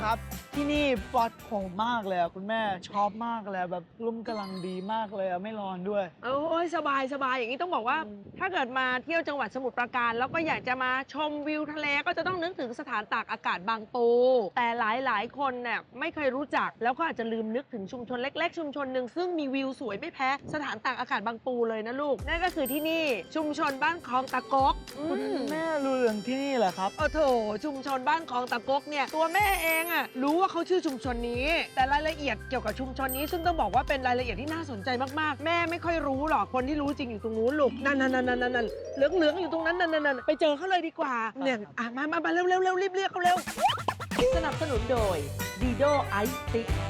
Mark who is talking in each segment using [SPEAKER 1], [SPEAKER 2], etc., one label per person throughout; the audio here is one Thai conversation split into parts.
[SPEAKER 1] ครับที่นี่ปลอดโปร่งมากเลยคุณแม่ชอบมากเลยแบบร่มกำลังดีมากเลยไม่ร้อนด้วย
[SPEAKER 2] โอ้ยสบายสบายอย่างนี้ต้องบอกว่า ถ้าเกิดมาเที่ยวจังหวัดสมุทรปราการแล้วก็อยากจะมาชมวิวทะเลก็จะต้องนึกถึงสถานตากอากาศบางปูแต่หลายคนเนี่ยไม่เคยรู้จักแล้วก็อาจจะลืมนึกถึงชุมชนเล็กๆชุมชนหนึ่งซึ่งมีวิวสวยไม่แพ้สถานตากอากาศบางปูเลยนะลูกนั่นก็คือที่นี่ชุมชนบ้านคลองตะกก
[SPEAKER 1] คุณแม่รู้เรื่องที่นี่เหรอครับ
[SPEAKER 2] โอ้โถชุมชนบ้านคลองตะกกเนี่ยตัวแม่เองอะรู้ว่าเขาชื่อชุมชนนี้แต่รายละเอียดเกี่ยวกับชุมชนนี้ซึ่งต้องบอกว่าเป็นรายละเอียดที่น่าสนใจมากๆแม่ไม่ค่อยรู้หรอกคนที่รู้จริงอยู่ตรงนู้นลูกนั่นเหลืองอยู่ตรงนั้นนั่นไปเจอเขาเลยดีกว่าเนี่ยมาเร็วรีบเรียกเขาเร็วสนับสนุนโดยดีโดไอซ์ติ๊ก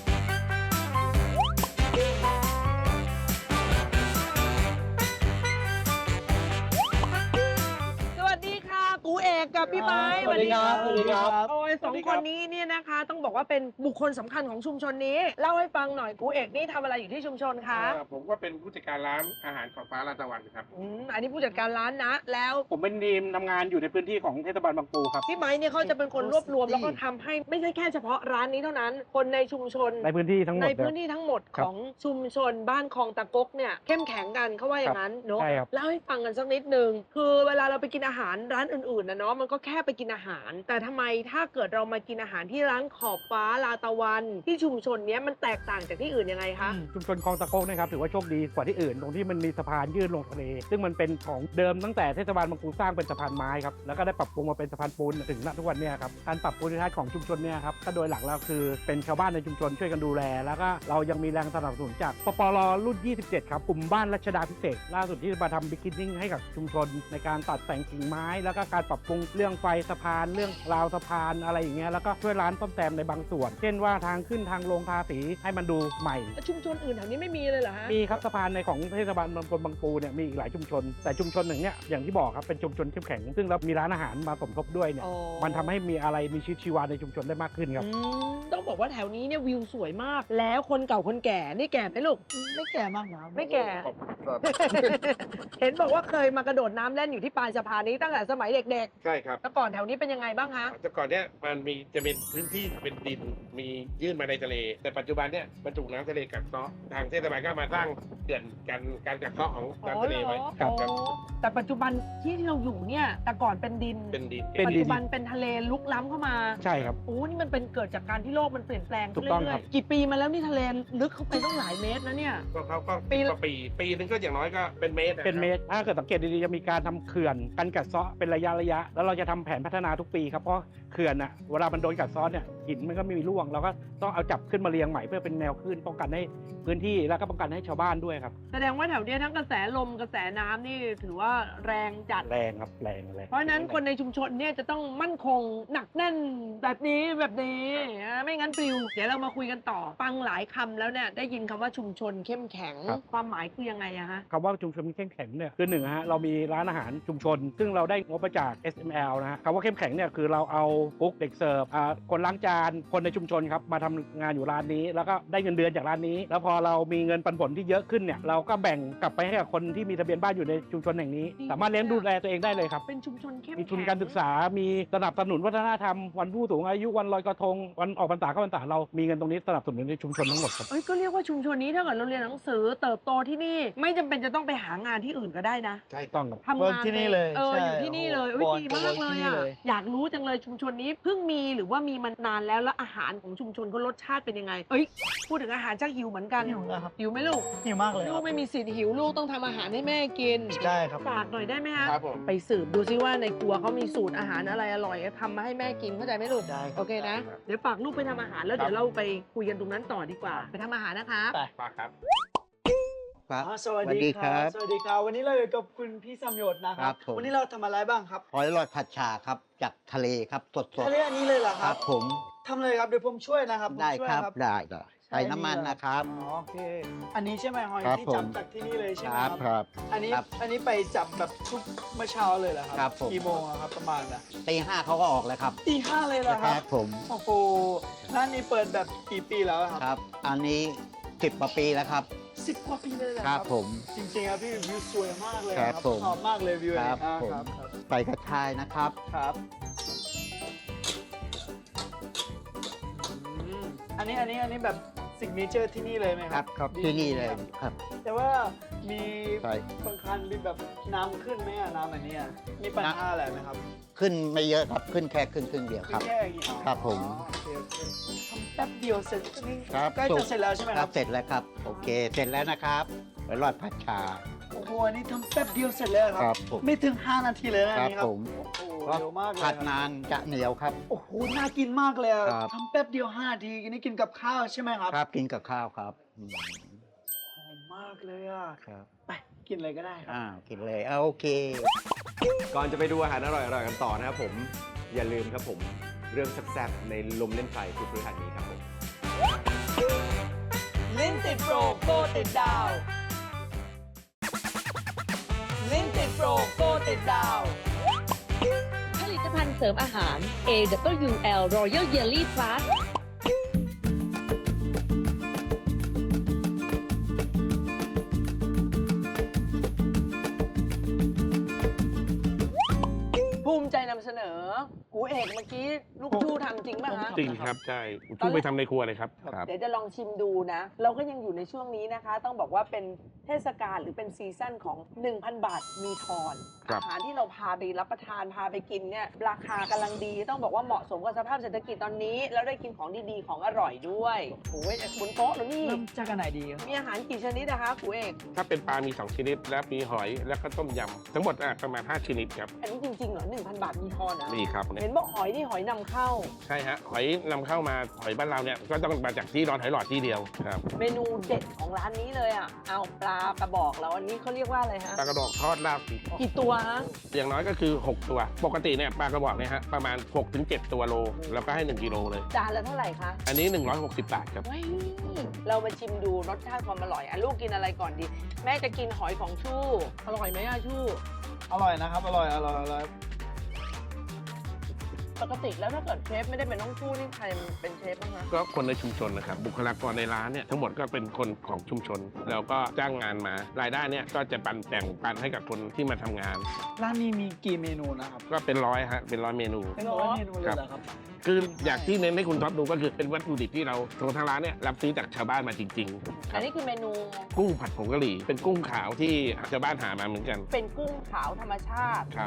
[SPEAKER 2] กูเอกกับพี่ไม้
[SPEAKER 1] สวัสดีครับสวัสดีครับ
[SPEAKER 2] โอ้ยสองคนนี้เนี่ยนะคะต้องบอกว่าเป็นบุคคลสำคัญของชุมชนนี้เล่าให้ฟังหน่อยกูเอกนี่ทำอะไรอยู่ที่ชุมชนคะ
[SPEAKER 3] ผมก็เป็นผู้จัดการร้านอาหารของฟ้าลาตะวันครับ
[SPEAKER 2] อันนี้ผู้จัดการร้านนะแล้ว
[SPEAKER 3] ผมเป็นทีมทำงานอยู่ในพื้นที่ของเทศบาลบางปูครับ
[SPEAKER 2] พี่ไม้เนี่ยเขาจะเป็นคนรวบรวมแล้วก็ทำให้ไม่ใช่แค่เฉพาะร้านนี้เท่านั้นคนในชุมชน
[SPEAKER 3] ในพื้นที่ทั้งหมด
[SPEAKER 2] ของชุมชนบ้านคลองตะกกเนี่ยเข้มแข็งกันเขาว่าอย่างนั้นเนาะเล่าให้ฟังกันสักนิดนึงคือเวลาเราไปกินอาหารร้านอื่นๆนะเนาะมันก็แค่ไปกินอาหารแต่ทำไมถ้าเกิดเรามากินอาหารที่ร้านขอบฟ้าลาตะวันที่ชุมชนนี้มันแตกต่างจากที่อื่นยังไงคะ
[SPEAKER 3] ชุมชนคลองตะโกกนะครับถือว่าโชคดีกว่าที่อื่นตรงที่มันมีสะพานยื่นลงทะเลซึ่งมันเป็นของเดิมตั้งแต่เทศบาลบางปูสร้างเป็นสะพานไม้ครับแล้วก็ได้ปรับปรุงมาเป็นสะพานปูนถึงณทุกวันนี้ครับการปรับภูมิทัศน์ของชุมชนเนี่ยครับก็โดยหลักแล้วคือเป็นชาวบ้านในชุมชนช่วยกันดูแลแล้วก็เรายังมีแรงสนับสนุนจากปปร.รุ่น 27 ครับกลุ่มบ้านรัชดาพิเศษล่าสุดที่มาทำบิ๊กนิ่งให้กับชุมชนในการตัดแต่งกิ่งไม้แล้วก็การปรับปรุงเรื่องไฟสะพานเรื่องราวสะพานอะไรอย่างเงี้ยแล้วก็ช่วยร้านซ่อมแซมในบางส่วนเช่นว่าทางขึ้นทางลงทาสีให้มันดูใหม่
[SPEAKER 2] ชุมชนอื่นแถวนี้ไม่มีเลยเหรอฮะ
[SPEAKER 3] มีครับสะพานในของเทศบาลบางปูเนี่ยมีอีกหลายชุมชนแต่ชุมชนหนึ่งเนี่ยอย่างที่บอกครับเป็นชุมชนเข้มแข็งซึ่งเรามีร้านอาหารมาสมทบด้วยเนี่ยมันทำให้มีอะไรมีชีวิตชีวาในชุมชนได้มากขึ้นครับ
[SPEAKER 2] ต้องบอกว่าแถวนี้เนี่ยวิวสวยมากแล้วคนเก่าคนแก่นี่แก่ไหมลูก
[SPEAKER 1] ไม่แก่มากนะ
[SPEAKER 2] ไม่แก่เห็นบอกว่าเคยมากระโดดน้ำเล่นอยู่ที่ปลายสะพานนี้ตั้งแต่สมัยเด็ก
[SPEAKER 3] ๆใช่ครับ
[SPEAKER 2] แต่ก่อนแถวนี้เป็นยังไงบ้างคะ
[SPEAKER 3] แต่ก่อนเนี่ยมันจะเป็นพื้นที่เป็นดินมียื่นมาในทะเลแต่ปัจจุบันเนี่ยมันถูกน้ำทะเลกัดเซาะทางเทศบาลก็มาสร้างเขื่อนการกัดเซาะของน้ำทะเลไว้
[SPEAKER 2] ครับแต่ปัจจุบันที่เราอยู่เนี่ยแต่ก่อนเป็นดินปัจจุบันเป็นทะเลลุกล้ำเข้ามา
[SPEAKER 3] ใช่ครับ
[SPEAKER 2] โอ้นี่มันเป็นเกิดจากการที่โลกมันเปลี่ยนแปลง
[SPEAKER 3] ถูกต้องครับ
[SPEAKER 2] กี่ปีมาแล้วนี่ทะเลลึกเข้าไปต้องหลายเมตรนะเนี่ย
[SPEAKER 3] ก็ปีนึงก็อย่างน้อยก็เป็นเมตรถ้าเกิดสังเกตดีๆจะมีการทำเขื่อนกันกัดเซาะเป็นระยะแล้วเราจะทำแผนพัฒนาทุกปีครับเพราะเขื่อนอ่ะเวลามันโดนกัดเซาะเนี่ยหินมันก็ไม่มีร่วงเราก็ต้องเอาจับขึ้นมาเรียงใหม่เพื่อเป็นแนวขึ้นป้องกันให้พื้นที่แล้วก็ป้องกันให้ชาวบ้านด้วยครับ
[SPEAKER 2] แสดงว่าแถวนี้ทั้งกระแสลมกระแสน้ำนี่ถือว่าแรงจัด
[SPEAKER 3] แรงครับแรง
[SPEAKER 2] เพราะฉะนั้นคนในชุมชนเนี่ยจะต้องมั่นคงหนักแน่นแบบนี้ไม่งั้นปลิวเดี๋ยวเรามาคุยกันต่อฟังหลายคำแล้วเนี่ยได้ยินคำว่าชุมชนเข้มแข็งความหมายคือยังไงอะฮะ
[SPEAKER 3] คำว่าชุมชนเข้มแข็งเนี่ยคือหนึ่งฮะเรามีร้านอาหารชุมชนซึ่งเราได้งบมาจาก SML นะฮะคำว่าเข้มแข็งเนี่ยคือเราเอากุ๊กเด็กเสิร์ฟคนล้างจานคนในชุมชนครับมาทำงานอยู่ร้านนี้แล้วก็ได้เงินเดือนจากร้านนี้แล้วพอเรามีเงินปันผลที่เยอะขึ้นเนี่ยเราก็แบ่งกลับไปให้กับคนที่มีทะเบียนบ้านอยู่ในชุมชนแห่งนี้สามารถเลี้ยงดูแลตัวเองได้เลยครับ
[SPEAKER 2] เป็นชุมชนเข้มแข็ง
[SPEAKER 3] มีทุนการศึกษามีสนับสนุนวัฒนธรรมวันผู้สูงอายุวันลอยกระทงวันออกพรรษาเข้าพรรษาเรามีเงินตรงนี้สนับสนุนในชุมชนทั้งหมดครับ
[SPEAKER 2] ก็เรียกว่าชุมชนนี้ถ้าเกิดเราเรียนหนังสือเติบโตที่นี่ไม่จำเป็นจะต้องไปหางานที่อื่นก็ได้นะ
[SPEAKER 3] ใช่ต้อง
[SPEAKER 2] ทำงาน
[SPEAKER 1] ที่นี่เลย
[SPEAKER 2] อยู่ที่นี่เลยดีมากเลยอะอยากรู้จังเลยชุมชนนี้เพิ่งมีหรือว่ามีมานานแล้วอาหารของชุมชนเขารสชาติเป็นยังไงพูดถึงอาหารชักหิวเหมือนกันหิวไหมลูก
[SPEAKER 1] หิวมากเลย
[SPEAKER 2] ลูกไม่มีสิทธิ์หิวลูกต้องทำอาหารให้แม่กิน
[SPEAKER 1] ได้ครับ
[SPEAKER 2] ฝากหน่อยได้ไหมฮะ
[SPEAKER 3] ครับผม
[SPEAKER 2] ไปสืบดูซิว่าในครัวเขามีสูตรอาหารอะไรอร่อยทำมาให้แม่กินเข้าใจไหมลูก
[SPEAKER 1] ได้
[SPEAKER 2] โอเคนะเดี๋ยวฝากลูกไปทำอาหารแล้วเดี๋ยวเราไปคุยกันตรงนั้นต่อดีกว่าไปทำอาหารนะครับ
[SPEAKER 3] ฝากครับ
[SPEAKER 1] สวัสดีครับสวัสดีครับวันนี้เราอยู่กับคุณพี่สมยศนะครับวันนี้เราทำอะไรบ้างครับ
[SPEAKER 4] หอยลอยผัดชาครับจากทะเลครับสด
[SPEAKER 1] ทะเลอันนี้เลยเหรอครับ
[SPEAKER 4] ผม
[SPEAKER 1] ทำเลยครับเดี๋ยวผมช่วยนะครับ
[SPEAKER 4] ได้ครับได้ใส่น้ำมันนะครับ
[SPEAKER 1] โอเคอันนี้ใช่ไหมหอยที่จับจากที่นี่เลยใช่ไหม
[SPEAKER 4] ครับ
[SPEAKER 1] อันนี้ไปจับแบบทุกเมื่อเช้าเลยเหรอครับกี่โมงครับประมาณ
[SPEAKER 4] ตีห้าเขาก็ออกเลยครับ
[SPEAKER 1] ตีห้าเลยเหรอครับ
[SPEAKER 4] ผม
[SPEAKER 1] โอ้โหร้านนี้เปิดแบบกี่ปีแล้ว
[SPEAKER 4] ครับอันนี้10 กว่าปีแล้วครับ
[SPEAKER 1] 10 กว่าปีเลยเหรอ
[SPEAKER 4] ครับผม
[SPEAKER 1] จริงๆครับพี่วิวสวยมากเลยครับชอบมากเลยวิว
[SPEAKER 4] ครับใส่กระชายนะครับ
[SPEAKER 1] ครับอันนี้แบบซิกเนเจอร์ที่นี่เลยไหม
[SPEAKER 4] ค
[SPEAKER 1] ค
[SPEAKER 4] รั
[SPEAKER 1] รั
[SPEAKER 4] บบ ครับที่นี่เลยครับ
[SPEAKER 1] แต่ว่ามี
[SPEAKER 4] ใช่
[SPEAKER 1] บางคันมีแบบน้ำขึ้นไหมอะน้ำอันเนี้ยมีปัญหาอะไรไหมครับ
[SPEAKER 4] ขึ้นไม่เยอะครับขึ้นแค่ครึ่งเดียวครับ
[SPEAKER 1] แค่อย่างนี้อ๋อ
[SPEAKER 4] ครับผม
[SPEAKER 1] โอเคทำแป๊บเดียวเสร็จนี่
[SPEAKER 4] ครับ
[SPEAKER 1] ใกล้จะเสร็จแล้วใช่ไหม
[SPEAKER 4] ค
[SPEAKER 1] ค
[SPEAKER 4] รั
[SPEAKER 1] รั
[SPEAKER 4] บบ เสร็จแล้วครับ โอเค เสร็จแล้วนะครับไปรอดผัดชา
[SPEAKER 1] โอ้โหอันนี้ทำแป๊บเดียวเสร็จแล้วค
[SPEAKER 4] ครั
[SPEAKER 1] รับ
[SPEAKER 4] ผม
[SPEAKER 1] ไม่ถึง 5 นาทีเลยนะอันนี้ค
[SPEAKER 4] ครั
[SPEAKER 1] รับบ
[SPEAKER 4] ผม
[SPEAKER 1] โอ้โห
[SPEAKER 4] เพราะ
[SPEAKER 1] เร็วมากเลย
[SPEAKER 4] ผัด
[SPEAKER 1] ครับ
[SPEAKER 4] นานจะเหนียวครับ
[SPEAKER 1] โอ้โหน่ากินมากเลยอะ
[SPEAKER 4] ครับ
[SPEAKER 1] ทำแป๊บเดียว 5 นาทีอันนี้กินกับข้าวใช่ไหมครับ
[SPEAKER 4] ครับกินกับข้าวครับ
[SPEAKER 1] หอมมากเลยอะ
[SPEAKER 4] ครับ
[SPEAKER 1] ไปกินเลยก็ได้ครับ
[SPEAKER 4] กินเลยโอเค
[SPEAKER 5] ก่อนจะไปดูอาหารอร่อยๆกันต่อนะครับผม อย่าลืมครับผม เรื่องแซ่บๆในลมเล่นไฟทุกพฤหัสนี้ครับผม
[SPEAKER 2] ลิ้นติดโปรโกติดดาว ลิ้นติดโปรโกติดดาว
[SPEAKER 6] ผลิตภัณฑ์เสริมอาหาร AWL Royal Jelly Plus
[SPEAKER 2] ภูมิใจนำเสนอกูเอกเมื่อกี้ลูกชูทำจริงป่ะฮะ
[SPEAKER 7] จริงครับใช่ช่วยไปทำในครัวเลยครับครับ
[SPEAKER 2] เดี๋ยวจะลองชิมดูนะ เราก็ยังอยู่ในช่วงนี้นะคะ ต้องบอกว่าเป็นเทศกาลหรือเป็นซีซั่นของ 1,000 บาทมีทอน
[SPEAKER 7] ครับ
[SPEAKER 2] อาหารที่เราพาไปรับประทานพาไปกินเนี่ยราคากำลังดี ต้องบอกว่าเหมาะสมกับสภาพเศรษฐกิจตอนนี้ แล้วได้กินของดีๆของอร่อยด้วยโอ้ยบนโต๊ะแล้วนี่
[SPEAKER 1] เริ่มจากอันไหนดีครับ
[SPEAKER 2] มีอาหารกี่ชนิดนะคะกูเอก
[SPEAKER 7] ถ้าเป็นปลามี 2 ชนิด และมีหอยแล้วก็ต้มยำทั้งหมดประมาณ 5 ชนิดครับ
[SPEAKER 2] อันนี้จริงๆเหรอ 1,000 บาทมีทอนนะ
[SPEAKER 7] นี่ครับเนี่
[SPEAKER 2] เห็
[SPEAKER 7] ย
[SPEAKER 2] นบอกหอยนี่หอยนำเข้า
[SPEAKER 7] ใช่ฮะหอยนำเข้ามาหอยบ้านเราเนี่ยก็ต้องมาจากที่ดอนหอยหลอดที่เดียวครับ
[SPEAKER 2] เมนูเด็ดของร้านนี้เลยอ่ะเอาปลากระบอกแล้วอันนี้เขาเรียกว่าอะไรฮะ
[SPEAKER 7] ปลากระบอกทอดลาบพริก
[SPEAKER 2] กี่ตัวฮะ
[SPEAKER 7] อย่างน้อยก็คือ 6 ตัว ปกติเนี่ยปลากระบอกเนี่ยฮะประมาณ 6-7 ตัวโล แล้วก็ให้ 1 กิโลเลย
[SPEAKER 2] จานละเท่าไหร่คะ
[SPEAKER 7] อันนี้ 160 บาทครับ
[SPEAKER 2] ว้ายเรามาชิมดูรสชาติความอร่อยอ่ะลูกกินอะไรก่อนดี แม่จะกินหอยของชู่อร่อยไหมอ่ะชู่
[SPEAKER 1] อร่อยนะครับ อร่อย
[SPEAKER 2] ปกติแล้วถ้าเกิดเชฟไม่ได้เป็นน้องชู่นี่ใครเป็นเชฟบ้างคะ
[SPEAKER 7] ก็คนในชุมชนนะครับบุคลากรในร้านเนี่ยทั้งหมดก็เป็นคนของชุมชน แล้วก็จ้างงานมารายได้เนี่ยก็จะแบ่งปันให้กับคนที่มาทำงาน
[SPEAKER 1] ร้านนี้มีกี่เมนูนะครับ
[SPEAKER 7] ก็เป็นร้อยฮะเป็นร้อยเมนู
[SPEAKER 1] เป็นร้อยเมนูเลยเหรอครับ
[SPEAKER 7] คืออยากที่เน้นให้คุณท็อปดูก็คือเป็นวัตถุดิบที่เราทางร้านเนี่ยรับซื้อจากชาวบ้านมาจริงๆค
[SPEAKER 2] อั
[SPEAKER 7] รั
[SPEAKER 2] น
[SPEAKER 7] บ
[SPEAKER 2] นี้คือเมนู
[SPEAKER 7] กุ้งผัดผงกะหรี่เป็นกุ้งขาวที่ชาวบ้านหามาเหมือนกัน
[SPEAKER 2] เป็นกุ้งขาวธรรมชาติ
[SPEAKER 7] ครับ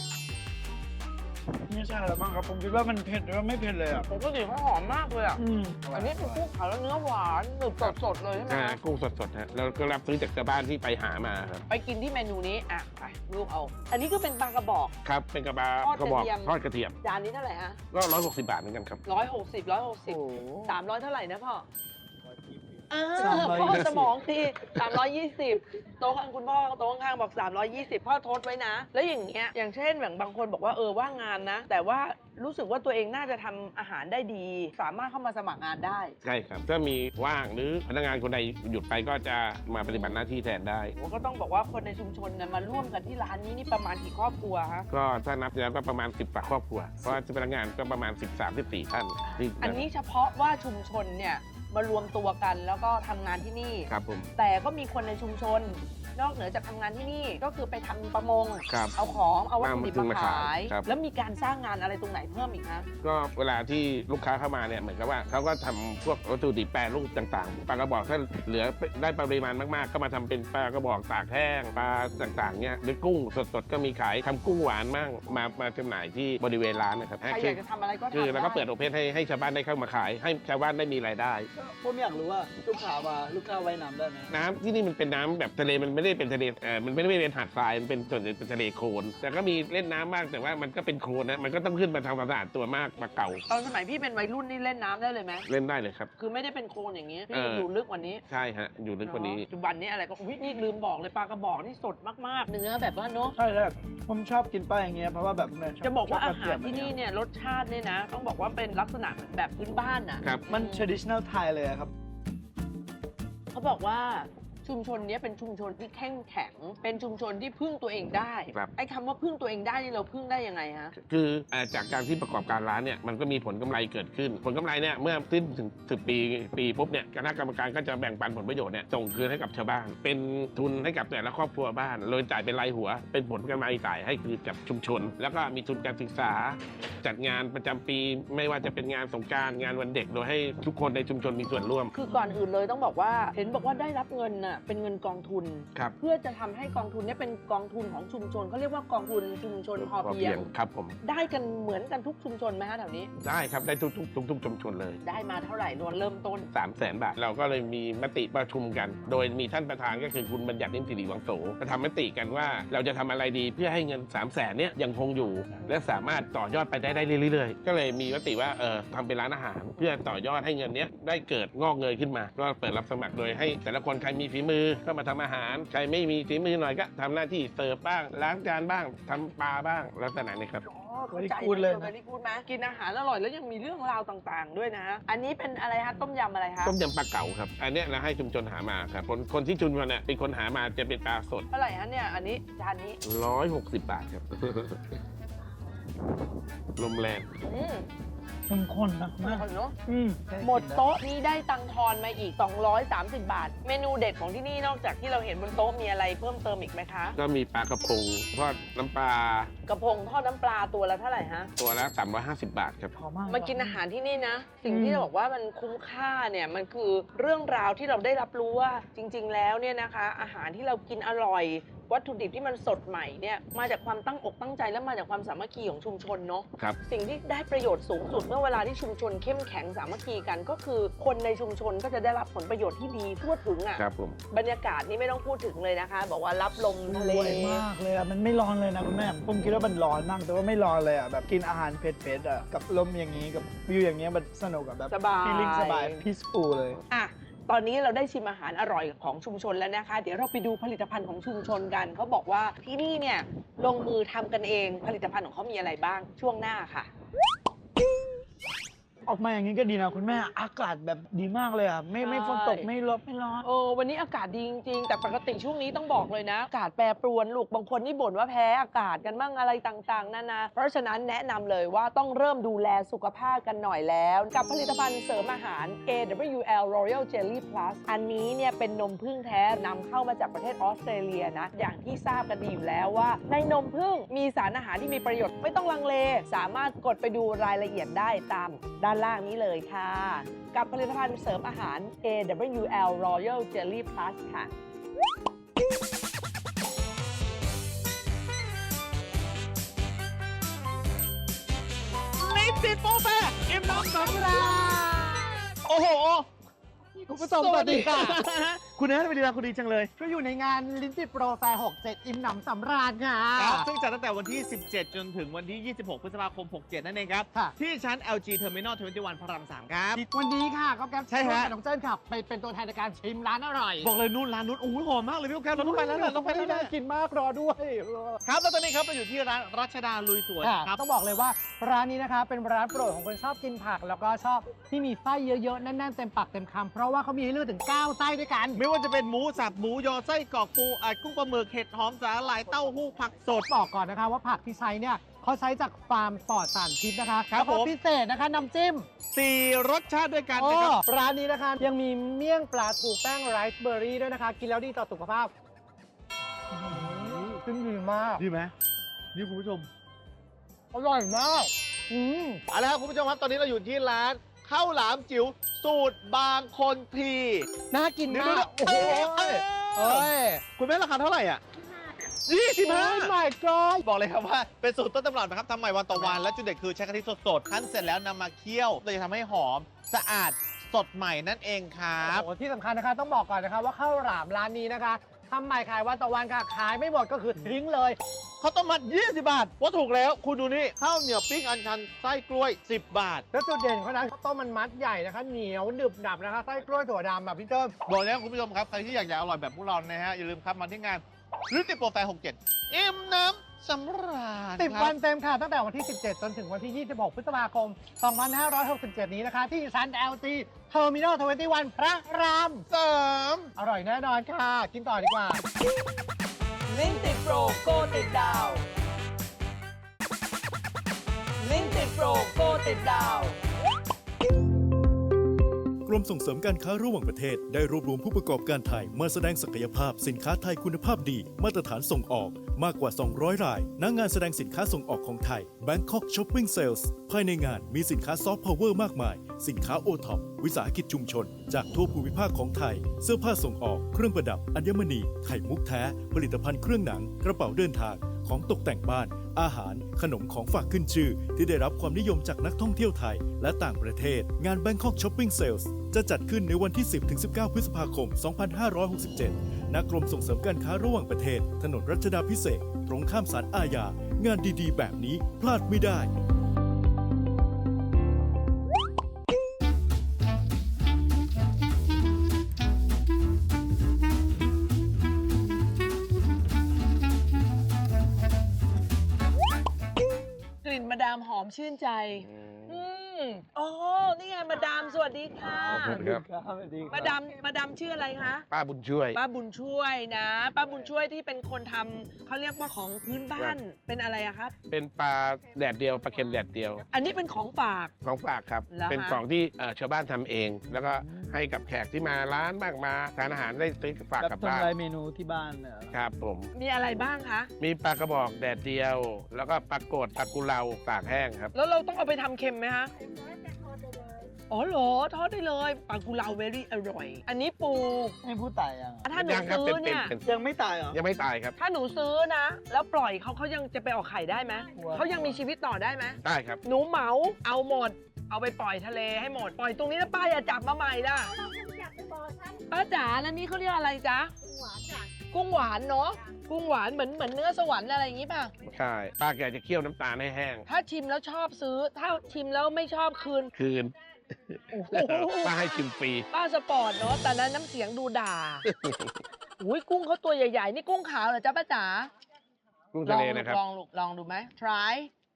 [SPEAKER 1] ไม่ใช่แล้วมั้งครับ ผมคิดว่ามันเผ็ดหรือว่าไม่เผ็ดเลยอ่ะ
[SPEAKER 2] ปกติเขาหอมมากเลยอ่ะ
[SPEAKER 1] อืม
[SPEAKER 2] อันนี้เป็นกุ้งขาวแล้วเนื้อหวานหนึบสดๆเลยใช่ไหม
[SPEAKER 7] ใช่
[SPEAKER 2] คะ
[SPEAKER 7] กุ้งสดๆฮะแล้วก็รับซื้อจากชาวบ้านที่ไปหามาครับ
[SPEAKER 2] ไปกินที่เมนูนี้อ่ะไปลูกเอา อันนี้ก็เป็นปลากระบอก
[SPEAKER 7] ครับเป็นกระบะ
[SPEAKER 2] ทอด
[SPEAKER 7] กระบอก
[SPEAKER 2] กระเทียม
[SPEAKER 7] ทอดกระเทียม
[SPEAKER 2] จานนี้เท่าไหร่ฮะ
[SPEAKER 7] ก็160 บาทเหมือนกันครับ
[SPEAKER 2] 160 300 เท่าไหร่นะพ่อ
[SPEAKER 1] 320
[SPEAKER 2] พ่อสมองที320 โต๊ะข้างคุณพ่อโต๊ะข้างๆบอก 320 พ่อทดไว้นะ แล้วอย่างเงี้ยอย่างเช่นแบบบางคนบอกว่าว่างงานนะ แต่ว่ารู้สึกว่าตัวเองน่าจะทำอาหารได้ดี สามารถเข้ามาสมัครงานได้
[SPEAKER 7] ใช่ครับถ้ามีว่างหรือพนักงานคนใดหยุดไปก็จะมาปฏิบัติหน้าที่แทนได้
[SPEAKER 2] ผมก็ต้องบอกว่าคนในชุมชนเนี่ยมาร่วมกันที่ร้านนี้นี่ประมาณกี่ครอบครัวฮะ
[SPEAKER 7] ก็ถ้านับแล้วก็ประมาณ 10 กว่าครอบครัว เพราะว่าพนักงานก็ประมาณ 13-14 ท่านที่
[SPEAKER 2] อันนี้เฉพาะว่าชุมชนเนี่ยมารวมตัวกันแล้วก็ทำงานที่นี่
[SPEAKER 7] ครับผม
[SPEAKER 2] แต่ก็มีคนในชุมชน นอกเหนือจากทำงานที่นี่ก็คือไปทำประมง
[SPEAKER 7] ครับ
[SPEAKER 2] เอาของเอาวัตถุดิบ
[SPEAKER 7] มา
[SPEAKER 2] มา
[SPEAKER 7] ขาย
[SPEAKER 2] ขาย
[SPEAKER 7] ครับ
[SPEAKER 2] แล้วมีการสร้างงานอะไรตรงไหนเพิ่มอีกคะ
[SPEAKER 7] ก็เวลาที่ลูกค้าเข้ามาเนี่ยเหมือนกับว่าเขาก็ทำพวกวัตถุดิบแปรรูปต่างๆปลากระบอกถ้าเหลือได้ปริมาณมากๆ ก็มาทำเป็นปลากระบอกตากแห้งปลาต่างๆเนี่ยหรือกุ้งสดๆก็มีขายทำกุ้งหวานมั่งมาจำหน่ายที่บริเวณร้านนะครับ
[SPEAKER 2] ใครอยากจะทำอะไรก็ทำ
[SPEAKER 7] คือเราก็
[SPEAKER 2] ได้
[SPEAKER 7] เปิดโอเพนให้ชาวบ้านได้เข้ามาขาย ให้ชาวบ้านได้มีรายได้
[SPEAKER 1] ผมอยากรู้ว่าลูกค้าว่ายน้ำได้ไหม
[SPEAKER 7] น้ำที่นี่มันเป็นน้ำแบบทะเลมันไม่ได้เป็นทะเลมันไม่ได้เป็นหาดทรายมันเป็นส่วนใหญ่เป็นทะเลโคลนแต่ก็มีเล่นน้ำบ้างแต่ว่ามันก็เป็นโคลนนะมันก็ต้องขึ้นมาทำความสะอาดตัวมากมาเก่า
[SPEAKER 2] ตอนสมัยพี่เป็นวัยรุ่นนี่เล่นน้ำได้เลยไหม
[SPEAKER 7] เล่นได้เลยครับ
[SPEAKER 2] คือไม่ได้เป็นโคลนอย่างนี้
[SPEAKER 7] เอ
[SPEAKER 2] พี่
[SPEAKER 7] อ
[SPEAKER 2] อยู่ลึกกว่านี้
[SPEAKER 7] ใช่ฮะอยู่ลึกกว่านี้
[SPEAKER 2] ปัจจุบันนี้อะไรก็อุ๊ยนี่ลืมบอกเลยปลากระบอกนี่สดมากๆ เนื้อแบบว่าเนาะ
[SPEAKER 1] ใช่ผมชอบกินปลาอย่างเงี้ยเพราะว่าแบบเนี่ย
[SPEAKER 2] จะบอกว่า
[SPEAKER 1] ช
[SPEAKER 2] อา
[SPEAKER 1] บ
[SPEAKER 2] หารที่นี่เนี่ยรสชาติเนี่ยนะ ต้องบอกว่าเป็นลักษณะแบบพื้นบ้านอ่ะ
[SPEAKER 7] ครับ
[SPEAKER 1] มัน traditional Thai เลยอะครับ
[SPEAKER 2] เขาบอกว่าชชุมชนเนี้ยเป็นชุมชนที่เข้มแข็งเป็นชุมชนที่พึ่งตัวเองได้
[SPEAKER 7] ครับ
[SPEAKER 2] ไอ้คำว่าพึ่งตัวเองได้นี่เราพึ่งได้ยังไงฮะ
[SPEAKER 7] คือจากการที่ประกอบการร้านเนี่ยมันก็มีผลกำไรเกิดขึ้น ผลกำไรเนี่ยเมื่อสิ้นถึง10 ปีปุ๊บเนี่ยคณะกรรมการก็จะแบ่งปันผลประโยชน์เนี่ยส่งคืนให้กับชาวบ้าน เป็นทุนให้กับแต่ละครอบครัวบ้านโดยจ่ายเป็นรายหัว เป็นผลกำไรจ่ายให้คือกับชุมชน แล้วก็มีทุนการศึกษา จัดงานประจำปีไม่ว่าจะเป็นงานสงกรานต์งานวันเด็กโดยให้ทุกคนในชุมชนมีส่วนร่วม
[SPEAKER 2] คือก่อนอื่นเลยต้องบอกว่าเห็นบอกว่าได้รับเงินน่ะเป็นเงินกองทุน
[SPEAKER 7] ครับ
[SPEAKER 2] เพื่อจะทำให้กองทุนเนี้เป็นกองทุนของชุมชนเขาเรียกว่ากองทุนชุมชนพอเพียง
[SPEAKER 7] ครับผม
[SPEAKER 2] ได้กันเหมือนกันทุกชุมชนไหมฮะแถวนี้
[SPEAKER 7] ได้ครับได้ทุกชุมชนเลย
[SPEAKER 2] ได้มาเท่าไหร่นวลเริ่มต้น
[SPEAKER 7] 300,000 บาท เราก็เลยมีมติประชุมกัน โดยมีท่านประธานก็คือคุณบัญญัตินิ่มสิริวังโสจะทำมติกันว่าเราจะทำอะไรดีเพื่อให้เงิน 300,000 เนี่ยยังคงอยู่ และสามารถต่อยอดไปได้เรื่อยๆ ก็เลยมีมติว่าทำเป็นร้านอาหารเพื่อต่อยอดให้เงินเนี้ยได้เกิดงอกเงยขึ้นมาก็เปิดรับสมัครโดยให้แต่ละคนใครมีฝีมือก็มาทำอาหารใครไม่มีฝีมือหน่อยก็ทำหน้าที่เสิร์ฟบ้างล้างจานบ้างทำปลาบ้างแล้วแต่ไหนนะครับ
[SPEAKER 1] Very good เลยนะ
[SPEAKER 2] Very good ไหมกินอาหารอร่อยแล้วยังมีเรื่องราวต่างๆ ด้วยนะอันนี้เป็นอะไรฮะต้มยำอะไรคะ
[SPEAKER 7] ต้มยำปลาเก๋าครับอันเนี้ยเราให้ชุมชนหามาครับคนที่ชุมชนเนี่ยเป็นคนหามาจะเป็นปลาสด
[SPEAKER 2] เท่าไหร่ฮะเนี่ยอันนี้จานนี้
[SPEAKER 7] 160 บาทครับ ลมแรง
[SPEAKER 1] เข้มข้นนะ
[SPEAKER 2] มากเนาะ
[SPEAKER 1] อืม
[SPEAKER 2] หมดโต๊ะนี่ได้ตังค์ทอนมาอีก 230 บาท เมนูเด็ดของที่นี่นอกจากที่เราเห็นบนโต๊ะมีอะไรเพิ่มเติมอีกไหมคะ
[SPEAKER 7] ก็มีปลากระพงทอดน้ำปลาก
[SPEAKER 2] ระพงทอดน้ำปลาตัวละเท่าไหร่ฮะ
[SPEAKER 7] ตัวละ350 บาทครับ
[SPEAKER 1] หอมมาก
[SPEAKER 2] มากินอาหารที่นี่นะ สิ่งที่เราบอกว่ามันคุ้มค่าเนี่ยมันคือเรื่องราวที่เราได้รับรู้ว่าจริง ๆ แล้วเนี่ยนะคะ อาหารที่เรากินอร่อย วัตถุดิบที่มันสดใหม่เนี่ยมาจากความตั้งอกตั้งใจและมาจากความสามัคคีของชุมชนเนาะ
[SPEAKER 7] ครับ
[SPEAKER 2] สิ่งที่ได้ประโยชน์สูงสุดเมื่อเวลาที่ชุมชนเข้มแข็งสามัคคีกัน ก็คือคนในชุมชนก็จะได้รับผลประโยชน์ที่ดีทั่วถึงอ่ะ
[SPEAKER 7] ครับผม
[SPEAKER 2] บรรยากาศนี่ไม่ต้องพูดถึงเลยนะคะ บอกว่ารับลมทะเล
[SPEAKER 1] สวยมากเลยอ่ะ มันไม่ร้อนเลยนะคุณแม่ ผมคิดว่ามันร้อนมาก แต่ว่าไม่ร้อนเลยอ่ะ แบบกินอาหารเผ็ดๆอ่ะ กับลมอย่างนี้ กับวิวอย่างเงี้ยมันสนุกกับแบบ
[SPEAKER 2] สบาย
[SPEAKER 1] feeling สบาย peaceful เลย
[SPEAKER 2] อ่ะ ตอนนี้เราได้ชิมอาหารอร่อยของชุมชนแล้วนะคะ เดี๋ยวเราไปดูผลิตภัณฑ์ของชุมชนกัน เขาบอกว่าที่นี่เนี่ยลงมือทำกันเอง ผลิตภัณฑ์ของเขามีอะไรบ้างช่วงหน้าค่ะ
[SPEAKER 1] ออกมาอย่างนี้ก็ดีนะคุณแม่ อากาศแบบดีมากเลยอ่ะ ไม่ฝนตก ไม่ร้อนไม่ร้อน
[SPEAKER 2] วันนี้อากาศดีจริงๆ แต่ปกติช่วงนี้ต้องบอกเลยนะ อากาศแปรปรวนลูก บางคนนี่บ่นว่าแพ้อากาศกันบ้างอะไรต่างๆ นานา เพราะฉะนั้นแนะนำเลยว่าต้องเริ่มดูแลสุขภาพกันหน่อยแล้ว กับผลิตภัณฑ์เสริมอาหาร AWL Royal Jelly Plus อันนี้เนี่ยเป็นนมผึ้งแท้นำเข้ามาจากประเทศออสเตรเลียนะ อย่างที่ทราบกันดีอยู่แล้วว่า ในนมผึ้งมีสารอาหารที่มีประโยชน์ไม่ต้องลังเล สามารถกดไปดูรายละเอียดได้ตามด้านล่างนี้เลยค่ะ กับผลิตภัณฑ์เสริมอาหาร AWL Royal Jelly Plus ค่ะ
[SPEAKER 1] ลิปติดโป๊ะแปะเอ็มน้ำสำราญโอ้โห คุณผู้ชมสวัสดีค่ะ คุณแอนสวัสดีค่ะคุณดีจังเลย
[SPEAKER 8] ก็อยู่ในงานลิ้นติดโปรแฟร์ 67 อิ่มหนำสำราญค่ะ
[SPEAKER 9] ครับซึ่งจัดตั้งแต่วันที่ 17 จนถึงวันที่ 26 พฤษภาคม 67 นั่นเองครับ
[SPEAKER 8] ค่ะ
[SPEAKER 9] ที่ชั้น LG Terminal 21 พระราม 3 ครับ
[SPEAKER 8] วันนี้ค่ะก็แก๊ป
[SPEAKER 9] ใช่ฮะ
[SPEAKER 8] กับน้องเจิ้นค่ะไปเป็นตัวแทนในการชิมร้านอร่อย
[SPEAKER 9] บอกเลยนู่นร้านนู้นโอ้โหหอมมากเลยพี่โอ๊คครับเราต้องไปแล้วนะต้องไปแล้วนะ
[SPEAKER 8] น่ากินมากรอด้วย
[SPEAKER 9] ครับแล้วตอนนี้ครับเราอยู่ที่ร้านรัชดาลุยสวน
[SPEAKER 8] ค่ะ
[SPEAKER 9] ครับ
[SPEAKER 8] ต้องบอกเลยว่าร้านนี้นะคะเป็นร้านโปรดของคนชอบกินผัก แล้วก็ชอบที่มีไส้เยอะๆ แน่นๆ เต็มปากเต็มคำเพราะว่าเขามีให้เลือกถึง 9 ไส้ด้วยกัน
[SPEAKER 9] ไม่ว่าจะเป็นหมูสับหมูยอไส้กรอกปูอัดกุ้งปลาหมึกเห็ดหอมสาหร่ายเต้าหู้ผักสด
[SPEAKER 8] บอกก่อนนะคะว่าผักที่ใช้เนี่ยเขาใช้จากฟาร์มปลอดสารพิษนะคะ
[SPEAKER 9] ครับ
[SPEAKER 8] แล้วก็
[SPEAKER 9] ผม
[SPEAKER 8] พิเศษนะคะน้ำจิ้ม
[SPEAKER 9] 4 รสชาติด้วยกันนะครับ
[SPEAKER 8] ร้านนี้นะคะยังมีเมี่ยงปลาถูแป้งไรซ์เบอร์รี่ด้วยนะคะ กินแล้วดีต่อสุขภาพซึ่งดีมาก
[SPEAKER 9] ดีไหมนี่คุณผู้ชม
[SPEAKER 8] อร่อยมาก
[SPEAKER 9] เอาละครับคุณผู้ชมครับตอนนี้เราอยู่ที่ร้านข้าวหลามจิ๋วสูตรบางคนที
[SPEAKER 8] น่ากิน
[SPEAKER 9] เดี๋ยว
[SPEAKER 8] มาก
[SPEAKER 9] โอ้โห
[SPEAKER 8] เอ้ย
[SPEAKER 9] คุณแม่ราคาเท่าไหร่อ่ะ
[SPEAKER 8] โอ้
[SPEAKER 9] 25
[SPEAKER 8] my god
[SPEAKER 9] บอกเลยครับว่าเป็นสูตรต้นตำรับนะครับทำใหม่วันต่อวันและจุดเด่นคือใช้กะทิสดๆคั้นเสร็จแล้วนำมาเคี่ยวโดยจะทำให้หอมสะอาดสดใหม่นั่นเองครับ
[SPEAKER 8] โอ้โหที่สำคัญนะคะต้องบอกก่อนนะคะว่าข้าวหลามร้านนี้นะคะทำใหม่ขายวันต่อวันค่ะขายไม่หมดก็คือทิ้งเลย
[SPEAKER 9] ข้าวต้มมัด 20 บาทว่าถูกแล้ว คุณดูนี่ข้าวเหนียวปิ้งอันชันไส้กล้วย 10 บาท
[SPEAKER 8] แล้วจุดเด่นของเขานะข้าวต้มมันมัดใหญ่นะคะเหนียวหนึบหนับนะคะไส้กล้วยถั่วดำแบบพี่เติ้ม
[SPEAKER 9] บอกแล้วคุณผู้ชมครับ ใครที่อยากจะอร่อยแบบพวกเรานะฮะ อย่าลืมครับมาที่งานลิ้นติดโปรแฟร์ 67 อิ่มน้ำสำราญ
[SPEAKER 8] 10 วันเต็มค่ะ ตั้งแต่วันที่ 17 จนถึงวันที่ 26 พฤษภาคม 2567 นี้นะคะ ที่ชั้น LG Terminal 21 พระราม
[SPEAKER 9] 3
[SPEAKER 8] อร่อยแน่นอนค่ะ กินต่อดีกว่า
[SPEAKER 2] ลิ้นติดโปรโกติดดาว ลิ้นติดโปรโกติดดาว
[SPEAKER 10] กรมส่งเสริมการค้าระหว่างประเทศได้รวบรวมผู้ประกอบการไทยมาแสดงศักยภาพสินค้าไทยคุณภาพดีมาตรฐานส่งออกมากกว่า 200 รายณงานแสดงสินค้าส่งออกของไทย Bangkok Shopping Sales ภายในงานมีสินค้าซอฟต์พาวเวอร์มากมายสินค้าโอท็อปวิสาหกิจชุมชนจากทั่วภูมิภาคของไทยเสื้อผ้าส่งออกเครื่องประดับอัญมณีไข่มุกแท้ผลิตภัณฑ์เครื่องหนังกระเป๋าเดินทางของตกแต่งบ้านอาหารขนมของฝากขึ้นชื่อที่ได้รับความนิยมจากนักท่องเที่ยวไทยและต่างประเทศงาน Bangkok Shopping Sales จะจัดขึ้นในวันที่ 10-19 พฤษภาคม 2567 ณ กรมส่งเสริมการค้าระหว่างประเทศถนนรัชดาภิเษกตรงข้ามศาลอาญางานดีๆ แบบนี้พลาดไม่ได้
[SPEAKER 2] กลิ่นมาดามหอมชื่นใจ อ๋อ นี่ไงมาดามสวัสดีค่ะ
[SPEAKER 7] สวัสดีครับ
[SPEAKER 2] มาดามชื่ออะไรคะ
[SPEAKER 7] ป้าบุญช่วย
[SPEAKER 2] ป้าบุญช่วยนะ ป้าบุญช่วยที่เป็นคนทำเขาเรียกว่าของพื้นบ้าน เป็นอะไรอะครับ
[SPEAKER 7] เป็นปลาแดดเดียวปลาเค็มแดดเดียว
[SPEAKER 2] อันนี้เป็นของฝาก
[SPEAKER 7] ของฝากครับ
[SPEAKER 2] เหรอฮะ
[SPEAKER 7] เป็นของที่ชาวบ้านทำเอง แล้วก็ให้กับแขกที่มาร้านบ้างมาทานอาหารได้ซื้อฝากกลับบ้าน
[SPEAKER 11] ทำลายเมนูที่บ้านเนี่ย
[SPEAKER 7] ครับผม
[SPEAKER 2] มีอะไรบ้างคะ
[SPEAKER 7] มีปลากระบอกแดดเดียว แล้วก็ปลากดปลากุเลาตากแห้งครับ
[SPEAKER 2] แล้วเราต้องเอาไปทำเค็มไหมคะอ๋อเหรอทอดได้เลยปลากุเลาเวรี่อร่อย อันนี้ปู
[SPEAKER 11] ให้ผู้ตายยัง
[SPEAKER 2] ถ้าหนู
[SPEAKER 7] ยังครับ
[SPEAKER 2] ซื้อเนี่ย
[SPEAKER 7] เป็น
[SPEAKER 11] ยังไม่ตายเหรอ
[SPEAKER 7] ยังไม่ตายครับ
[SPEAKER 2] ถ้าหนูซื้อนะ แล้วปล่อยเขายังจะไปออกไข่ได้ไหม
[SPEAKER 11] กลัว
[SPEAKER 2] เขายังมีชีวิตต่อได้ไหม
[SPEAKER 7] ได้ครับ
[SPEAKER 2] หนูเหมาเอาหมด เอาไปปล่อยทะเลให้หมด ปล่อยตรงนี้แล้วป้าอย่าจับมาใหม่ล่ะป้าจ๋าแล้วนี่เขาเรียกอะไรจ๊ะกุ้งหวานเนาะกุ้งหวานเหมือนเนื้อสวรรค์อะไรอย่างนี้ป่ะ
[SPEAKER 7] ใช่ป้าแกจะเคี่ยวน้ำตาลให้แห้ง
[SPEAKER 2] ถ้าชิมแล้วชอบซื้อ ถ้าชิมแล้วไม่ชอบคืน
[SPEAKER 7] คืน
[SPEAKER 2] โอ้โห
[SPEAKER 7] ป้าให้ชิมฟรี
[SPEAKER 2] ป้าสปอร์ตเนาะแต่นั้นน้ำเสียงดูด่า อุ้ยกุ้งเขาตัวใหญ่ๆ นี่กุ้งขาวเหรอจ๊ะป้าจ๋า
[SPEAKER 7] กุ้งทะเลนะครับ
[SPEAKER 2] ลองดูไหม try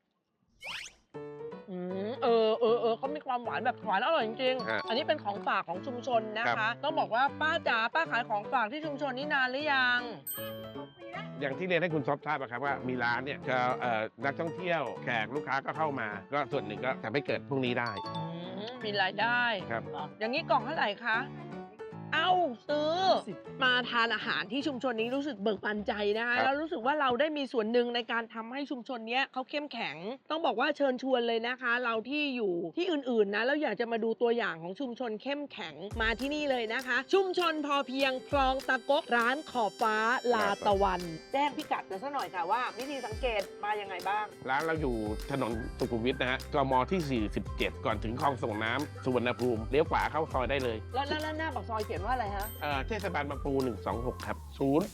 [SPEAKER 2] เขามีความหวานแบบหวานอร่อยจริง
[SPEAKER 7] ฮะ
[SPEAKER 2] ๆ อันนี้เป็นของฝากของชุมชนนะ
[SPEAKER 7] ครั
[SPEAKER 2] คะ
[SPEAKER 7] บ
[SPEAKER 2] ต้องบอกว่าป้าจ๋าป้าขายของฝากที่ชุมชนนี่นานหรือยัง
[SPEAKER 7] อย่างที่เรียนให้คุณซอฟทราบอะครับว่ามีร้านเนี่ยจะนักท่องเที่ยวแขกลูกค้าก็เข้ามา ก็ส่วนหนึ่งก็ทำให้เกิดพวกนี้ได้
[SPEAKER 2] มีรายได้
[SPEAKER 7] ครับ
[SPEAKER 2] อย่างนี้กล่องเท่าไหร่คะ เอ้าซื้อ มาทานอาหารที่ชุมชนนี้รู้สึกเบิกบานใจนะคะ
[SPEAKER 7] ครับ
[SPEAKER 2] แล้วรู้สึกว่าเราได้มีส่วนหนึ่งในการทำให้ชุมชนเนี้ยเขาเข้มแข็ง ต้องบอกว่าเชิญชวนเลยนะคะ เราที่อยู่ที่อื่นๆนะแล้วอยากจะมาดูตัวอย่างของชุมชนเข้มแข็งมาที่นี่เลยนะคะ ชุมชนพอเพียงคลองตะกกร้านขอบฟ้าลาตะวัน แจ้งพิกัดกันซะหน่อยค่ะว่า วิธีสังเกตมายังไงบ้าง
[SPEAKER 7] ร้านเราอยู่ถนนสุขุมวิทนะฮะกมที่ 47 ก่อนถึงคลองส่งน้ำสุวรรณภูมิเลี้ยวขวาเข้าซอยได้เลย
[SPEAKER 2] แล้วหน้าปากซอยเขียนว่าอะไรฮะ
[SPEAKER 7] เทศบาลบางปู126 ครับ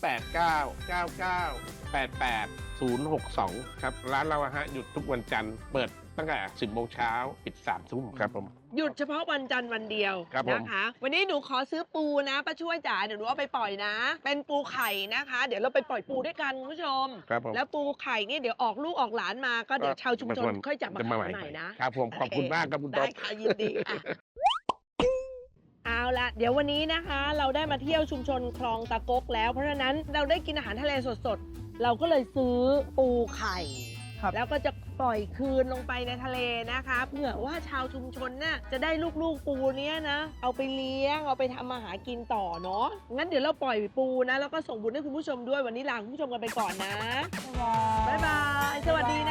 [SPEAKER 7] 0899988062 ครับ ร้านเราอะฮะหยุดทุกวันจันทร์เปิดตั้งแต่ 10 โมงเช้าปิด 3 ทุ่มครับผม
[SPEAKER 2] หยุดเฉพาะวันจันทร์วันเดียว
[SPEAKER 7] ครับผม
[SPEAKER 2] นะคะ วันนี้หนูขอซื้อปูนะป้าช่วยจ๋าเดี๋ยวหนูเอาไปปล่อยนะ เป็นปูไข่นะคะ เดี๋ยวเราไปปล่อยปูด้วยกันคุณผู้ชม
[SPEAKER 7] ครับผม
[SPEAKER 2] แล้วปูไข่นี่เดี๋ยวออกลูกออกหลานมาก็เดี๋ยวชาวชุมชนค่อยจับมาขายใหม่นะครับ
[SPEAKER 7] ผมขอบคุณมากครับคุณต๊
[SPEAKER 2] ได้
[SPEAKER 7] อบ
[SPEAKER 2] ค่ะยินดีค่ะเอาละเดี๋ยววันนี้นะคะ เราได้มาเที่ยวชุมชนคลองตะกกแล้ว เพราะฉะนั้นเราได้กินอาหารทะเลสดๆ เราก็เลยซื้อปูไข่
[SPEAKER 11] ครับ
[SPEAKER 2] แล้วก็จะปล่อยคืนลงไปในทะเลนะคะเผื่อว่าชาวชุมชนน่ะจะได้ลูกๆปูเนี้ยนะ เอาไปเลี้ยงเอาไปทำมาหากินต่อเนาะงั้นเดี๋ยวเราปล่อยปูนะแล้วก็ส่งบุญให้คุณผู้ชมด้วยวันนี้ลาคุณผู้ชมกันไปก่อนนะบ๊ายบายสวัสดีนะ